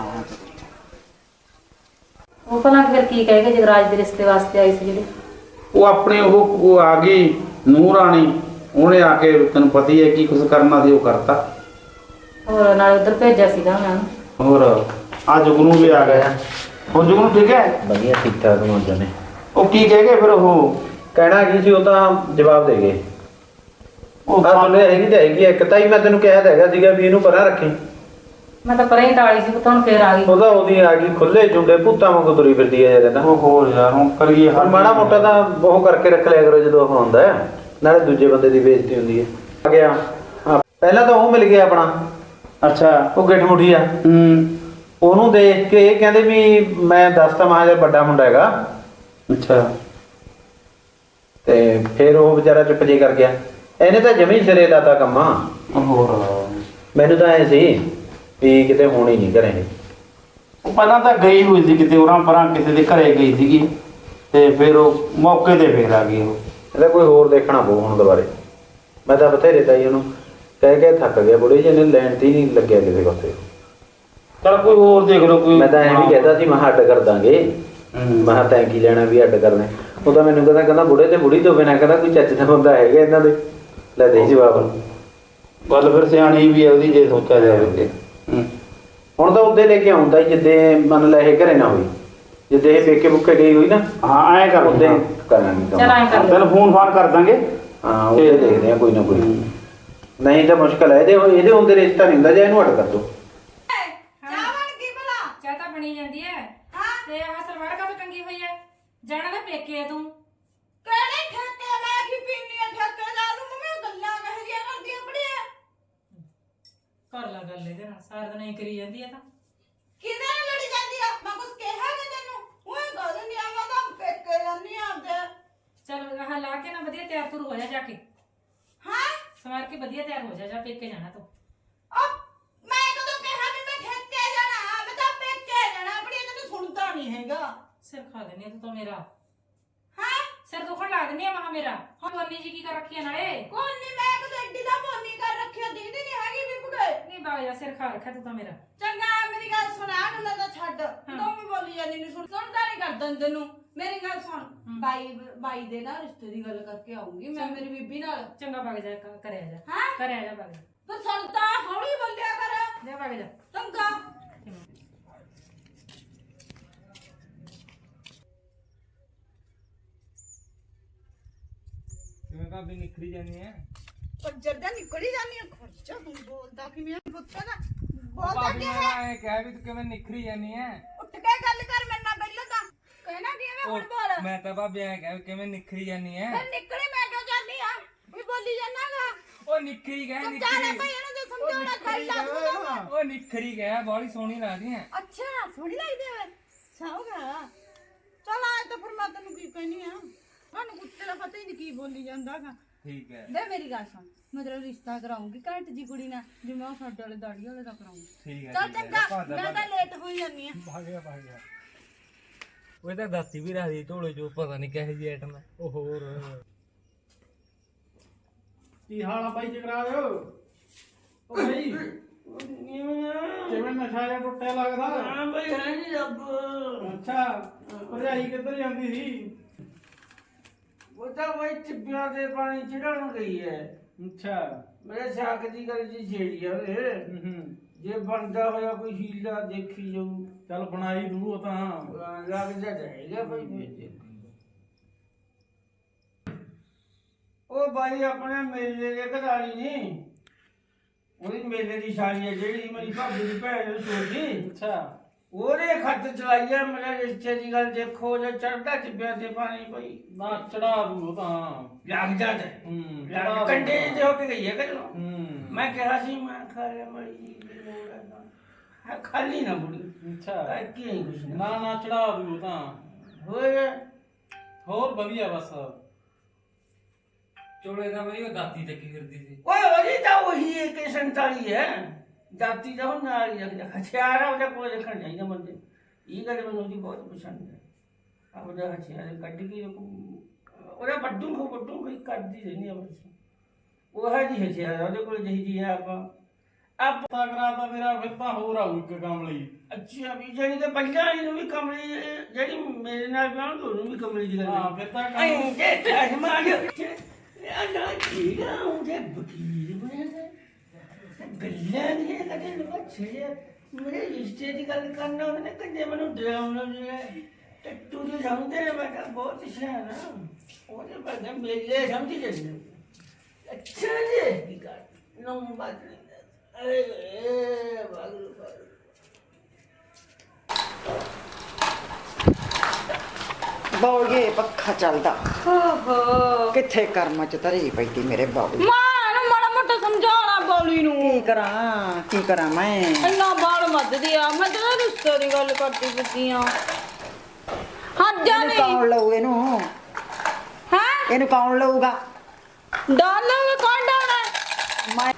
S8: ਉਹ ਭਲਾ ਫਿਰ ਕੀ ਕਹੇਗਾ ਜਗਰਾਜ ਦੇ ਰਿਸ਼ਤੇ ਵਾਸਤੇ ਆਈ ਸੀ ਜਿਹੜੇ?
S6: ਉਹ ਆਪਣੇ ਉਹ ਆ ਗਈ ਨੂੰਹ ਰਾਣੀ, ਉਹਨੇ ਆ ਕੇ ਤੈਨੂੰ ਪਤਾ ਹੀ ਹੈ ਕੀ ਕੁਝ ਕਰਨਾ ਸੀ ਉਹ ਕਰਤਾ।
S8: ਹੋਰ ਨਾਲ ਉਧਰ ਭੇਜਿਆ ਸੀਗਾ ਮੈਂ ਉਹਨੂੰ।
S6: ਹੋਰ ਆ ਜੁਗਨੂ ਵੀ ਆ ਗਿਆ। ਹੋਰ ਜੁਗਨੂ ਠੀਕ ਹੈ?
S5: ਵਧੀਆ ਠੀਕ ਠਾਕ ਮੌਜਾਂ ਨੇ।
S6: ਉਹ ਕੀ ਕਹਿ ਗਏ ਫਿਰ? ਉਹ
S5: ਕਹਿਣਾ ਕੀ ਸੀ ਉਹ ਤਾਂ ਜਵਾਬ ਦੇ ਗਏ।
S6: ਉਹ
S5: ਆ ਸੁਣਿਆ ਹੈਗੀ ਤਾਂ ਹੈਗੀ ਇੱਕ ਤਾਂ ਹੀ ਮੈਂ ਤੈਨੂੰ ਕਿਹਾ ਤਾਂ ਹੈਗਾ ਸੀਗਾ ਵੀ ਇਹਨੂੰ ਪਰਾਂ ਰੱਖੀ।
S8: ਮੈਂ ਤਾਂ ਪਰੇ ਹੀ ਟਾਲੀ ਸੀ, ਹੁਣ ਫੇਰ ਆ ਗਈ।
S5: ਉਹਦਾ ਉਹਦੀ ਆ ਗਈ ਖੁੱਲੇ ਜੁੰਡੇ ਭੂਤਾਂ ਵਾਂਗੂ ਤੁਰੀ ਫਿਰਦੀ ਹੈ ਜਦ ਤਾਂ।
S6: ਉਹ ਹੋਰ ਯਾਰ ਹੁਣ ਕਰੀਏ
S5: ਹੁਣ ਮਾੜਾ ਮੋਟਾ ਤਾਂ ਉਹ ਕਰਕੇ ਰੱਖ ਲਿਆ ਕਰੋ ਜਦੋਂ ਉਹ ਹੁੰਦਾ ਹੈ, ਨਾਲੇ ਦੂਜੇ ਬੰਦੇ ਦੀ ਬੇਇੱਜ਼ਤੀ ਹੁੰਦੀ ਹੈ। ਆ ਗਿਆ ਪਹਿਲਾਂ ਤਾਂ ਉਹ ਮਿਲ ਗਿਆ ਆਪਣਾ,
S6: ਅੱਛਾ
S5: ਉਹ ਗਿੱਠ ਮੁੱਠੀ ਆ। ਉਹਨੂੰ ਦੇਖ ਕੇ ਇਹ ਕਹਿੰਦੇ ਵੀ ਮੈਂ ਦੱਸਤਾ ਮਹਾਜਰ ਵੱਡਾ ਮੁੰਡਾ ਹੈਗਾ।
S6: ਅੱਛਾ
S5: ਤੇ ਫਿਰ ਉਹ ਵਿਚਾਰਾ ਚੁੱਪ ਜੇ ਕਰ ਗਿਆ। ਇਹਨੇ ਤਾਂ ਜਮੀ ਸਿਰੇ ਲਾਤਾ ਕੰਮਾਂ।
S6: ਹੋਰ
S5: ਮੈਨੂੰ ਤਾਂ ਐ ਸੀ ਵੀ ਕਿਤੇ ਹੋਣੀ ਨਹੀਂ ਘਰੇ ਇਹ।
S6: ਉਹ ਪਹਿਲਾਂ ਤਾਂ ਗਈ ਹੋਈ ਸੀ ਕਿਤੇ ਉਰਾਂ ਪਰਾਂ ਕਿਸੇ ਦੇ ਘਰੇ ਗਈ ਸੀਗੀ ਤੇ ਫਿਰ ਉਹ ਮੌਕੇ ਤੇ ਫੇਰ ਆ ਗਈ। ਉਹ
S5: ਇਹਦਾ ਕੋਈ ਹੋਰ ਦੇਖਣਾ ਪਊ ਹੁਣ ਦੁਬਾਰੇ। ਮੈਂ ਤਾਂ ਬਥੇਰੇ ਤਾਈ ਉਹਨੂੰ ਕਹਿ ਕੇ ਥੱਕ ਗਿਆ, ਬੁੜੇ ਜਿਹੇ ਨੇ ਲੈਣ ਤੇ ਹੀ ਨਹੀਂ ਲੱਗਿਆ ਕਿਸੇ ਪਾਸੇ।
S6: ਚਲ ਕੋਈ ਹੋਰ ਦੇਖ ਲਓ ਕੋਈ।
S5: ਮੈਂ ਤਾਂ ਐਂ ਵੀ ਕਹਿੰਦਾ ਸੀ ਮੈਂ ਅੱਡ ਕਰ ਦਾਂਗੇ, ਮੈਂ ਕਿਹਾ ਤੈਂ ਕੀ ਲੈਣਾ ਵੀ ਅੱਡ ਕਰਨੇ। ਉਹ ਤਾਂ ਮੈਨੂੰ ਕਹਿੰਦਾ ਬੁੜੇ ਤੇ ਬੁੜੀ ਤੋਂ ਬਿਨਾਂ ਕਹਿੰਦਾ ਕੋਈ ਚੱਜ ਦਾ ਬੰਦਾ ਹੈਗਾ ਇਹਨਾਂ ਦੇ। ਲੈ ਦੇ ਜਵਾਬ।
S6: ਗੱਲ ਫਿਰ ਸਿਆਣੀ ਵੀ ਹੈ ਉਹਦੀ ਜੇ ਸੋਚਿਆ ਜਾਵੇ।
S5: ਹੁਣ ਤਾਂ ਉੱਦੇ ਲੈ ਕੇ ਆਉਂਦਾ ਜਿੱਦੇ ਮੰਨ ਲੈ ਇਹ ਘਰੇ ਨਾ ਹੋਈ, ਜਿੱਦੇ ਇਹ ਪੇਕੇ ਬੁੱਕੇ ਗਈ ਹੋਈ ਨਾ।
S6: ਹਾਂ ਐਂ ਕਰ
S5: ਉੱਦੇ ਕਰਾਂਗੇ
S8: ਚਲ
S5: ਕੰਮ।
S8: ਐਂ ਕਰ ਲੈ।
S6: ਤੈਨੂੰ ਫੋਨ ਫਾਨ ਕਰ ਦਾਂਗੇ।
S5: ਹਾਂ ਉਹਦੇ ਦੇਖਦੇ ਆ ਕੋਈ ਨਾ ਕੋਈ। ਨਹੀਂ ਤਾਂ ਮੁਸ਼ਕਲ ਹੈ ਇਹਦੇ ਹੁੰਦੇ ਰਿਸ਼ਤਾ ਨਹੀਂ ਹੁੰਦਾ, ਜਾਂ ਇਹਨੂੰ ਅੱਡ ਕਰ ਦੋ।
S8: ਚਾਹ ਤਾਂ ਬਣੀ ਜਾਂਦੀ ਹੈ ਤੇ ਆਹ ਸਲਵਾਰ ਕਾ ਟੰਗੀ ਹੋਈ ਹੈ? ਜਾਣਾ ਤਾਂ ਪੇਕੇ ਤੂੰ।
S1: ਕਿਹੜੇ ਠੇਕੇ ਮੈਂ ਕੀ ਪੀਣੀ ਆ? ਠੇਕੇਦਾਰ ਨੂੰ ਮੈਂ ਗੱਲਾਂ ਕਹਿ ਜਿਆ ਕਰਦੀ ਆਪਣੀਆਂ।
S8: ਕਰ ਲਾ ਗੱਲ ਇਹਦੇ ਨਾਲ, ਸਾਰਾ ਦਿਨ ਹੀ ਕਰੀ ਜਾਂਦੀ ਹੈ ਤਾਂ।
S1: ਕਿਹਦੇ ਨਾਲ ਲੜੀ ਜਾਂਦੀ ਆ? ਮੈਂ ਕੁਛ ਕਿਹਾ ਕਿ ਤੈਨੂੰ? ਓਏ ਗੱਲ ਨਹੀਂ ਆਵਾਂ ਤਾਂ ਪੇਕੇ ਜਾਂਦੀ ਆਂਦੇ।
S8: ਚਲ ਆਹ ਲਾ ਕੇ ਨਾ ਵਧੀਆ ਤਿਆਰ ਤੁਰ ਹੋ ਜਾ ਕੇ।
S1: ਹਾਂ
S8: ਸਵਾਰ ਕੇ ਵਧੀਆ ਤਿਆਰ ਹੋ ਜਾ ਪੇਕੇ ਜਾਣਾ ਤੂੰ।
S1: ਉਹ ਮੈਂ ਕਦੋਂ ਕਿਹਾ ਵੀ ਮੈਂ ਠੇਕੇ ਜਾਣਾ? ਮੈਂ ਤਾਂ ਪੇਕੇ ਜਾਣਾ ਆਪਣੀ। ਤੈਨੂੰ ਸੁਣਦਾ ਨਹੀਂ ਹੈਗਾ।
S8: ਸਿਰ ਖਾ ਦਿੰਦੀ ਆ ਤੂੰ ਤਾਂ ਮੇਰਾ।
S1: ਹਾਂ
S8: ਸਿਰ ਦੁਖਣ ਲਾ ਦਿੰਦੀ ਆ ਮਹਾ ਮੇਰਾ। ਹੁਣ ਬੰਨੀ ਜੀ ਕੀ ਕਰ ਰੱਖੀ ਆ ਨਾਲੇ?
S1: ਕੋਈ ਨਹੀਂ, ਮੈਂ ਕਦੋਂ ਐਡੀ ਦਾ ਪੋਨੀ ਕਰ ਰੱਖਿਆ ਦੀਦੀ ਨਹੀਂ ਹੈਗੀ ਵੀ ਬੁਗੇ।
S8: ਨਹੀਂ ਬਾਗ ਜਾ, ਸਿਰ ਖਾ ਰੱਖਿਆ ਤੂੰ ਤਾਂ ਮੇਰਾ।
S1: ਚੰਗਾ ਮੇਰੀ ਗੱਲ ਸੁਣ, ਆ ਗੱਲਾਂ ਤਾਂ ਛੱਡ। ਤੂੰ ਵੀ ਬੋਲੀ ਜਾਂਦੀ ਨਹੀਂ, ਸੁਣਦਾ ਨਹੀਂ ਕਰਦਾ ਤੈਨੂੰ। ਮੇਰੀ ਗੱਲ ਸੁਣ, ਬਾਈ ਦੇ ਨਾਲ ਰਿਸ਼ਤੇ ਦੀ ਗੱਲ ਕਰਕੇ ਆਉਂਗੀ ਮੈਂ ਮੇਰੀ ਬੀਬੀ ਨਾਲ।
S8: ਚੰਗਾ ਬਾਗ ਜਾ, ਕਰਿਆ ਜਾ।
S1: ਹਾਂ
S8: ਕਰਿਆ ਜਾ ਬਾਗ ਜਾ।
S1: ਤੂੰ ਸੁਣਦਾ ਹੌਲੀ ਬੋਲਿਆ ਕਰ।
S8: ਜਾ ਬਾਗ ਜਾ।
S1: ਚੰਗਾ
S10: ਕਿਵੇਂ ਭਾਬੀ ਨਿਖਰੀ ਜਾਂਦੀ ਹੈ?
S1: ਪਰ ਜੱਦਾ ਨਿਕਲੀ ਜਾਂਦੀ ਆ। ਖਰਚਾ ਤੂੰ ਬੋਲਦਾ ਕਿਵੇਂ ਪੁੱਛਦਾ ਨਾ? ਬੋਲਦਾ
S10: ਭਾਬੀ
S1: ਕਿ
S10: ਮੈਂ
S1: ਹੈ?
S10: ਐ ਕਹਿ ਵੀ ਤੂੰ ਕਿਵੇਂ ਨਿਖਰੀ ਜਾਂਦੀ ਹੈ?
S1: ਉੱਠ ਕੇ ਗੱਲ ਕਰ ਮੇਰੇ ਨਾਲ ਪਹਿਲਾਂ ਤਾਂ। ਕਹਿਣਾ ਕੀ ਹੈ ਹੁਣ ਬੋਲ।
S10: ਮੈਂ ਤਾਂ ਭਾਬੀ ਐ ਕਹਿ ਵੀ ਕਿਵੇਂ ਨਿਖਰੀ ਜਾਂਦੀ ਹੈ?
S1: ਮੈਂ ਨਿਕਲੀ, ਮੈਂ ਕਿਉਂ ਜਾਂਦੀ ਆ? ਵੀ ਬੋਲੀ ਜਾਣਾਗਾ।
S10: ਉਹ ਨਿਖਰੀ ਗਏ
S1: ਸਮਝਾ ਲੈ
S10: ਨਿਖਰੀ।
S1: ਭਾਈ ਇਹਨੂੰ ਜੇ ਸਮਝਾਉਣਾ ਖਾਈ ਲੱਗਦਾ।
S10: ਉਹ ਨਿਖਰੀ ਗਏ ਬੜੀ ਸੋਹਣੀ ਲੱਗਦੀ ਹੈ।
S1: ਅੱਛਾ ਸੋਹਣੀ ਲੱਗਦੀ ਹੈ। ਸਾਉਗਾ ਚਲ ਆਏ ਤਾਂ ਫਿਰ ਮੈਂ ਤੈਨੂੰ ਕੀ ਕਹਿਨੀ ਆ? ਤੁਹਾਨੂੰ ਕੁੱਤੇ ਦਾ ਪਤਾ ਹੀ ਨਹੀਂ ਕੀ ਬੋਲੀ ਜਾਂਦਾਗਾ।
S10: ਠੀਕ ਹੈ
S1: ਦੇ ਮੇਰੀ ਗੱਲ ਸੁਣ, ਮੈਂ ਤੇਰਾ ਰਿਸ਼ਤਾ ਕਰਾਉਂਗੀ ਘੱਟ ਜੀ ਕੁੜੀ ਨਾਲ, ਜਿਵੇਂ ਉਹ ਸਾਡੇ ਵਾਲੇ ਦਾੜੀ ਵਾਲੇ ਦਾ ਕਰਾਉਂਗੀ।
S10: ਠੀਕ ਹੈ।
S1: ਚਲ ਚੰਗਾ, ਮੈਂ ਤਾਂ ਲੇਟ ਹੋਈ ਜਾਂਦੀ ਆ।
S10: ਭਾਗ ਗਿਆ। ਉਹ ਤਾਂ ਦੱਸੀ ਵੀ ਰਹੀ ਢੋਲੇ ਜੋ ਪਤਾ ਨਹੀਂ ਕਿਹੋ ਜਿਹੀ ਆਈਟਮ ਹੈ। ਉਹ ਹੋਰ
S6: ਕੀ ਹਾਲ ਆ ਬਾਈ ਜਗਰਾਜ? ਉਹ ਬਾਈ ਕਿਵੇਂ ਨਸ਼ਾ ਜਿਹਾ ਟੁੱਟਿਆ ਲੱਗਦਾ?
S2: ਹਾਂ ਬਈ ਹੈ ਨੀ ਰੱਬ।
S6: ਅੱਛਾ ਭਰਜਾਈ ਕਿੱਧਰ ਜਾਂਦੀ ਸੀ?
S2: ਉਹ ਤਾਂ ਬਈ ਟਿੱਬਿਆਂ ਦੇ ਪਾਣੀ ਚੜਾਉਣ ਗਈ ਹੈ।
S6: ਅੱਛਾ
S2: ਮੇਰੇ ਸਾਕ ਦੀ ਗੱਲ ਜੀ ਛੇੜੀ ਆ ਵੇ। ਜੇ ਬਣਦਾ ਹੋਇਆ ਕੋਈ ਹੀਲਾ ਦੇਖੀ ਜਾਊ।
S6: ਚੱਲ ਬਣਾਈ ਦੂ ਉਹ ਤਾਂ।
S2: ਲੱਗ ਜਾ ਜਾਏਗਾ ਬਈ ਮੇਰੇ। ਉਹ ਬਾਈ ਆਪਣੇ ਮੇਲੇ ਦੇ ਘਰਾਲੀ ਨਹੀਂ, ਉਹਦੀ ਮੇਲੇ ਦੀ ਸਾਲੀ ਹੈ ਜਿਹੜੀ ਮੇਰੀ ਭਾਬੀ ਦੀ ਭੈਣ ਨੂੰ ਸੋਚੀ।
S6: ਅੱਛਾ
S2: ਉਹਦੇ ਖੱਤ ਚਲਾਈ ਆ ਮੇਰੇ ਰਿਸ਼ਤੇ ਦੀ ਗੱਲ। ਦੇਖੋ ਜੇ ਚੜਦਾ ਟਿੱਬਿਆਂ ਤੇ ਪਾਣੀ ਪਈ
S6: ਨਾ ਚੜਾ ਦੂ ਉਹ ਤਾਂ।
S2: ਲੱਗ ਜਾਂਦਾ
S6: ਚੜਾ
S2: ਕੰਡੇ ਤੇ ਹੋ ਕੇ ਗਈ ਹੈ ਕਦੋਂ।
S6: ਹੂੰ
S2: ਮੈਂ ਕਿਹਾ ਸੀ ਮੈਂ ਖਾ ਲਿਆ ਮੜੀ ਜੀ ਹੈ ਖਾਲੀ ਨਾ ਬੁੜੀ।
S6: ਅੱਛਾ
S2: ਕੀ ਨਹੀਂ ਕੁਛ
S6: ਨਾ ਨਾ ਚੜਾ ਦੂ ਉਹ ਤਾਂ।
S2: ਹੋਏ
S6: ਹੋਰ ਵਧੀਆ ਬਸ।
S10: ਚੋਲੇ ਦਾ ਬਈ ਉਹ ਦਾਤੀ ਚੱਕੀ ਫਿਰਦੀ ਸੀ।
S2: ਓਏ ਉਹਦੀ ਤਾਂ ਉਹੀ 147 ਹੈ। ਦਾਤੀ ਦਾ ਉਹ ਨਾਲ ਹੀ ਰੱਖਦਾ ਹਥਿਆਰ ਆ ਉਹਦੇ ਕੋਲ ਰੱਖਣਾ ਚਾਹੀਦਾ ਬੰਦੇ। ਇਹ ਗੱਲ ਮੈਨੂੰ ਉਹਦੀ ਬਹੁਤ ਪਸੰਦ ਹੈ। ਆਪਦਾ ਹਥਿਆਰ ਕੱਢ ਕੇ ਉਹਦਾ ਵੱਡੂ ਕੋਈ ਕਰਦੀ ਰਹਿੰਦੀ ਆ ਬਸ। ਉਹ ਹੈ ਜੀ ਹਥਿਆਰ ਉਹਦੇ ਕੋਲ ਜਿਹੀ ਹੈ ਆਪਾਂ
S6: ਤਾਂ ਕਰਾਤਾ ਮੇਰਾ ਫਿਰ ਤਾਂ ਹੋਰ ਆਊ ਇੱਕ ਕੰਮ ਲਈ।
S2: ਅੱਛਾ ਵੀ ਜਿਹੜੀ ਤੇ ਪਹਿਲਾਂ ਵਾਲੀ ਨੂੰ ਵੀ ਕਮਲੀ ਜਿਹੜੀ ਮੇਰੇ ਨਾਲ ਵਿਆਹ ਉਹਨੂੰ ਵੀ ਕਮਲੀ ਦੀ ਗੱਲ।
S6: ਹਾਂ ਫਿਰ ਤਾਂ
S2: ਐਂ ਜੇ ਠਾਹ ਮਾਰ ਨਾ ਠੀਕ ਆ ਉਹਦੇ ਵਕੀਲ ਬਣੇ ਗੱਲਾਂ ਨਹੀਂ ਕਦੇ ਬੱਚੇ ਮੇਰੇ ਰਿਸ਼ਤੇ ਦੀ ਗੱਲ ਕਰਨਾ ਉਹਨੇ ਕਦੇ ਮੈਨੂੰ ਡਰਾਉਣਾ ਨਹੀਂ। ਟੱਟੂ ਦੇ ਸਮਝਦੇ ਨੇ ਮੈਂ ਬਹੁਤ ਸਿਆਣਾ ਉਹਦੇ ਬਾਰੇ ਮੇਲੇ ਸਮਝੀ ਜਾਂਦੇ। ਅੱਛਾ ਜੀ ਕੀ ਕਰ ਨੰਬਰ
S11: ਬੌਲੀਏ ਪੱਖਾ ਚੱਲਦਾ।
S1: ਓਹੋ
S11: ਕਿੱਥੇ ਕਰਮਾਂ ਚ ਧਰੀ ਪਈ ਤੀ ਮੇਰੇ ਬੌਲੀ।
S1: ਮਾਂ ਨੂੰ ਮਾੜਾ ਮੋਟਾ ਸਮਝਾਉਣਾ ਬੌਲੀ ਨੂੰ।
S11: ਕੀ ਕਰਾਂ ਮੈਂ।
S1: ਇੰਨਾ ਬਾਲ ਮੱਧਦੀ ਆ। ਮੈਂ ਤਾਂ ਰਿਸ਼ਤੇ ਦੀ ਗੱਲ ਕਰਦੀ ਫਿਰਦੀ ਆ। ਹੱਜਾ
S11: ਇਹਨੂੰ
S1: ਨਹੀਂ
S11: ਕੌਣ ਲਊ ਇਹਨੂੰ?
S1: ਹੈ
S11: ਇਹਨੂੰ ਕੌਣ ਲਊਗਾ?
S1: ਡਾਲੋਗੇ ਕੌਣ ਡਾਉਣਾ?
S11: ਮੈਂ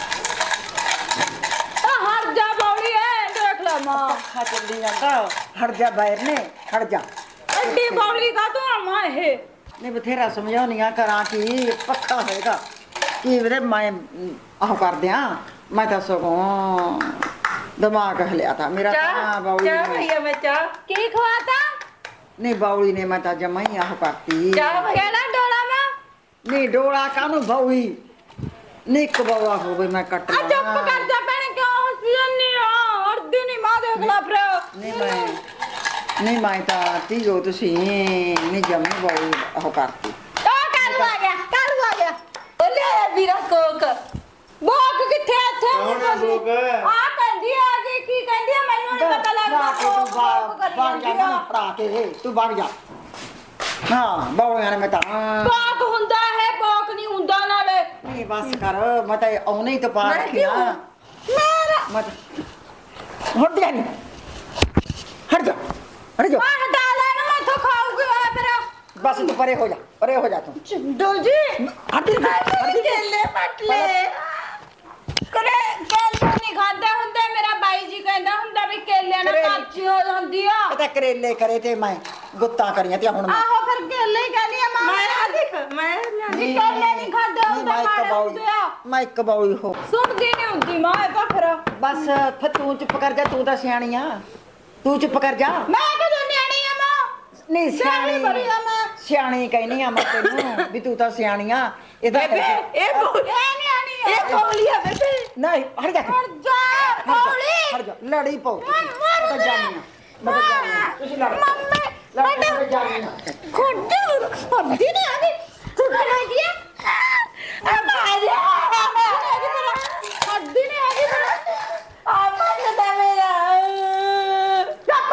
S1: ਹਟ ਜਾ ਬੌਲੀ ਐ ਦੇਖ ਲੈ ਮਾਂ।
S11: ਪੱਖਾ ਚੱਲੀ ਜਾਂਦਾ। ਹਟ ਜਾ ਬਾਹਰ ਨੇ ਹਟ ਜਾ।
S1: ਐਡੀ ਬੌਲੀ ਕਾ ਤੂੰ ਆ ਮਾਂ ਇਹ।
S11: ਨਹੀਂ ਬਥੇਰਾ ਸਮਝਾਉਣੀਆਂ ਕਰਾਂ ਕੀ ਪੱਖਾ ਹੋਏਗਾ ਕੀ ਵੀਰੇ ਮੈਂ ਆਹ ਕਰਦਿਆਂ। ਮੈਂ ਤਾਂ ਸਗੋਂ ਦਿਮਾਗ ਹਲਿਆ ਤਾ ਮੇਰਾ ਤਾਂ ਬੌਲੀ
S1: ਚਾਹ
S11: ਨੇ।
S1: ਭਈਆ ਮੈਂ ਚਾਹ ਕੀ ਖਵਾਤਾ?
S11: ਨਹੀਂ ਬੌਲੀ ਨੇ ਮੈਂ ਤਾਂ ਜਮਾ ਹੀ ਆਹ ਕਰਤੀ।
S1: ਚਾਹ ਕਿਹੜਾ ਡੋਲਾ ਮਾਂ?
S11: ਨਹੀਂ ਡੋਲਾ ਕਾਹਨੂੰ ਬੌਲੀ ਨਹੀਂ ਇੱਕ ਬੌਲਾ ਹੋਵੇ ਮੈਂ ਕੱਟ
S1: ਆ ਚੁੱਪ
S11: ਲਾਂ।
S1: ਕਰ ਜਾ ਭੈਣੇ ਕਿਉਂ ਹੱਸੀ ਆ? ਅਰਦੀ ਨਹੀਂ ਮਾਂ ਦੇਖ ਲੈ ਫਿਰ।
S11: ਨਹੀਂ ਮੈਂ ਤਾਂ ਧੀਓ ਤੁਸੀਂ ਨਹੀਂ ਜਮੀ ਬੌਲੀ ਉਹ ਕਰਤੀ।
S1: ਕਾਲੂ ਆ ਗਿਆ ਕਾਲੂ ਆ ਗਿਆ। ਬੋਲੇ ਵੀਰਾ ਕੋਕ ਬੋਕ ਕਿੱਥੇ ਇੱਥੇ?
S6: ਕੌਣ ਹੈ ਬੋਕ?
S1: ਆ ਕਹਿੰਦੀ ਆ ਜੀ ਕੀ ਕਹਿੰਦੀ ਆ ਮੈਨੂੰ ਨਹੀਂ ਪਤਾ ਲੱਗਦਾ। ਕੋਕ
S11: ਬਾਹਰ ਜਾ ਨਾ ਫੜਾ ਕੇ ਤੂੰ ਬਾਹਰ ਜਾ। ਹਾਂ ਬੌਲੀਆਂ ਨੇ ਮੈਂ ਤਾਂ
S1: ਬੋਕ ਹੁੰਦਾ ਹੈ ਬੋਕ ਨਹੀਂ ਹੁੰਦਾ ਨਾਲੇ।
S11: ਨਹੀਂ ਬਸ ਕਰ ਮੈਂ ਤਾਂ ਆਉਣੇ ਹੀ ਤਾਂ ਪਾ ਰੱਖਿਆ।
S1: ਮੇਰਾ
S11: ਮੈਂ ਹਟ ਜਾ ਨਹੀਂ ਹਟ ਜਾ ਹਟ ਜਾ।
S1: ਆ ਹਟਾ ਲੈ ਨਾ ਮੈਥੋਂ ਖਾਊਗੀ ਆ ਫਿਰ।
S11: ਬਸ ਤੂੰ ਪਰੇ ਹੋ ਜਾ ਤੂੰ।
S1: ਚੰਦੋ ਜੀ
S11: ਹਟ ਜਾ
S1: ਕੇਲੇ ਪੱਟ ਲੈ ਕਰੇ ਕੇਲੇ ਨਹੀਂ ਖਾਂਦਾ ਹੁੰਦਾ। ਮੇਰਾ ਬਾਈ ਜੀ ਕਹਿੰਦਾ ਹੁੰਦਾ ਵੀ ਕੇਲੇ ਨਾਲ ਕਾਚੀ ਹੋ ਜਾਂਦੀ ਆ।
S11: ਇਹ ਤਾਂ ਕਰੇਲੇ ਕਰੇ ਤੇ ਮੈਂ ਗੁੱਤਾਂ ਕਰੀਆਂ ਤੇ ਹੁਣ ਮੈਂ
S1: ਆਹੋ ਫਿਰ ਕੇਲੇ ਹੀ ਕਹਿੰਦੀ ਆ ਮਾਂ। ਮੈਂ ਆ ਦੇਖ ਮੈਂ ਨਹੀਂ ਕੇਲੇ ਨਹੀਂ ਖਾਂਦਾ ਹੁੰਦਾ ਮਾਰੇ ਆ।
S11: ਮੈਂ ਇੱਕ ਬੌਲੀ ਹੋ
S1: ਸੁਣਦੀ ਨਹੀਂ ਹੁੰਦੀ ਮਾਂ ਇਹ ਤਾਂ ਫਿਰ।
S11: ਬਸ ਫਿਰ ਤੂੰ ਚੁੱਪ ਕਰ ਜਾ। ਤੂੰ ਤਾਂ ਸਿਆਣੀ ਆ ਤੂੰ ਚੁੱਪ ਕਰ ਜਾ।
S1: ਮੈਂ ਕਦੋਂ ਨਿਆਣੀ ਆ ਮਾਂ?
S11: ਨਹੀਂ
S1: ਸਿਆਣੀ ਬੜੀ ਆ ਮੈਂ।
S11: ਸਿਆਣੀ ਕਹਿਨੀ ਆ ਮੈਂ ਤੈਨੂੰ ਵੀ ਤੂੰ ਤਾਂ ਸਿਆਣੀ ਆ। ਇਹਦਾ
S1: ਬੇਬੇ ਇਹ ਨਿਆਣੀ ਆ। ਇਹ ਕੌਲੀ ਆ ਬੇਬੇ।
S11: ਨਹੀਂ ਹਟ ਜਾ
S1: ਹਟ ਜਾ ਕੌਲੀ।
S11: ਹਟ ਜਾ ਲੜੀ ਪਓ ਮੈਂ ਤਾਂ ਜਾਣੀ ਆ ਮੈਂ ਤਾਂ ਜਾਣੀ ਆ ਤੁਸੀਂ ਲੜ
S1: ਮੰਮੀ
S11: ਮੈਂ ਤਾਂ ਜਾਣੀ ਆ
S1: ਖੁੱਡੀ ਨਹੀਂ ਆਦੀ ਤੂੰ ਕਰ ਰਹੀ ਹੈ ਆ ਮਾਰਿਆ ਖੁੱਡੀ ਨਹੀਂ ਆਦੀ ਆ ਮਾਰਦਾ ਮੇਰਾ ਚੱਪ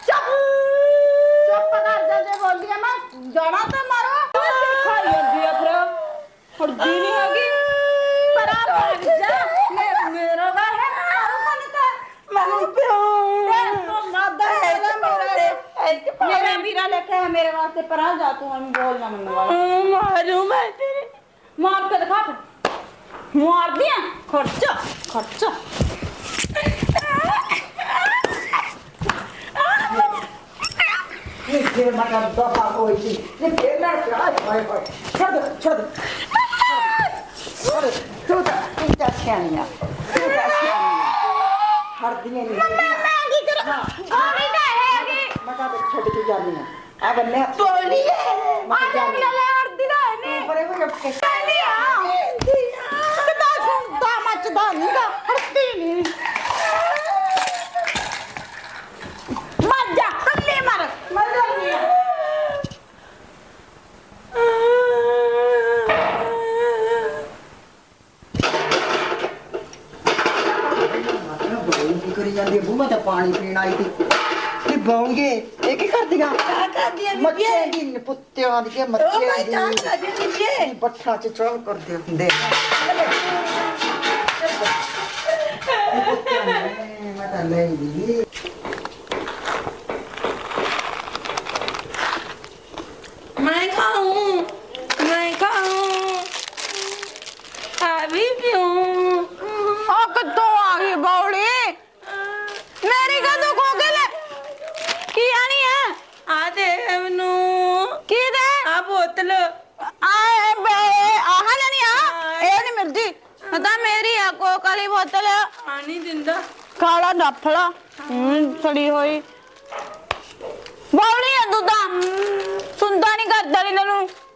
S1: ਕਰ ਦੇ ਬੋਲੀ ਮੈਂ ਜਾਣਾ ਤਾਂ ਮਾਰੋ ਖਾਈ ਜਾਂਦੀ ਆ ਫਿਰ ਖੁੱਡੀ ਨਹੀਂ ਹੈਗੀ ਪਰ ਆ ਭਾਗ ਜਾ ਮੇਰਾ ਵਾ ਹੈ ਮੈਨੂੰ ਪਿਓ ਤੋਂ ਮਾਦਾ ਹੈ ਮੇਰਾ ਵੀਰਾ ਲੈ ਕੇ ਆ ਮੇਰੇ ਵਾਸਤੇ ਪਰਾਂ ਜਾ ਤੂੰ ਐਵੇਂ ਬੋਲਣਾ ਮੈਨੂੰ ਮਾਰੂ ਮੈਂ ਤੇਰੇ ਮਾਰ ਕੇ ਦਿਖਾ ਮਾਰ ਦਿਆਂ ਖਰਚਾ
S11: ਇਹ ਫਿਰ ਮੈਂ ਤਾਂ ਦਫਾ ਹੋਈ ਸੀ ਇਹ ਫਿਰ ਨਾ ਹਾਏ ਛੱਡ ਤੂੰ ਤਾਂ ਸਿਆਣੀ ਆ ਹੜਦੀਆਂ ਨਹੀਂ
S1: ਮੈਂ ਕੀ ਕਰਾਂ ਗੋਲੀ ਤਾਂ ਹੈਗੀ
S11: ਮੈਂ ਤਾਂ ਛੱਡ ਕੇ ਜਾਂਦੀ ਆ ਆ ਬੰਨੇ
S1: ਤੋਲੀ ਆ ਜਾਂਦੀ ਲੈ ਹੜਦੀ ਦਾ ਨਹੀਂ
S11: ਪਰੇ ਹੋ ਕੇ
S1: ਕਹਿੰਦੀ ਆ ਕਿਦਾਂ ਸੁਣਦਾ ਮੱਚਦਾ ਨਹੀਂਗਾ ਹੜਦੀ ਨਹੀਂ ਮਰ ਜਾ ਕੱਲੇ ਮਰ ਨਹੀਂ
S11: ਕੀ ਕਰੀ ਜਾਂਦੀ ਬੂ ਮੈਂ ਤਾਂ ਪਾਣੀ ਪੀਣ ਆਈ ਸੀ ਕੀ ਬੌਂਗੇ ਇਹ ਕੀ ਕਰਦੀਆਂ
S1: ਆ ਕਰਦੀ ਆ
S11: ਮੱਛੀਆਂ ਦੀ ਪੁੱਤਿਆਂ ਦੀ
S1: ਉਹ
S11: ਮੱਛੀਆਂ
S1: ਮੈਂ
S11: ਦੀ
S1: ਤਾਂ ਕਰਦੀ ਬੀਬੀ
S11: ਬੱਠਾ ਚ ਚੌਲ ਕਰਦੇ ਹੁੰਦੇ ਮੈਂ ਤਾਂ ਲੈ ਦੀ
S1: मैं खाऊं अभी पीऊं ओ कितों आ गई बौड़ी मेरी कदों खो गई की आनी है आ दे मैनू की दे आ बोतल आए बे आह लेनी आ ए नहीं मिलदी पता मेरी है कोक वाली बोतल आनी दिंदा खाला डफला सड़ी होई बौड़ी है दूधा सुनता नहीं करता नहीं तेनू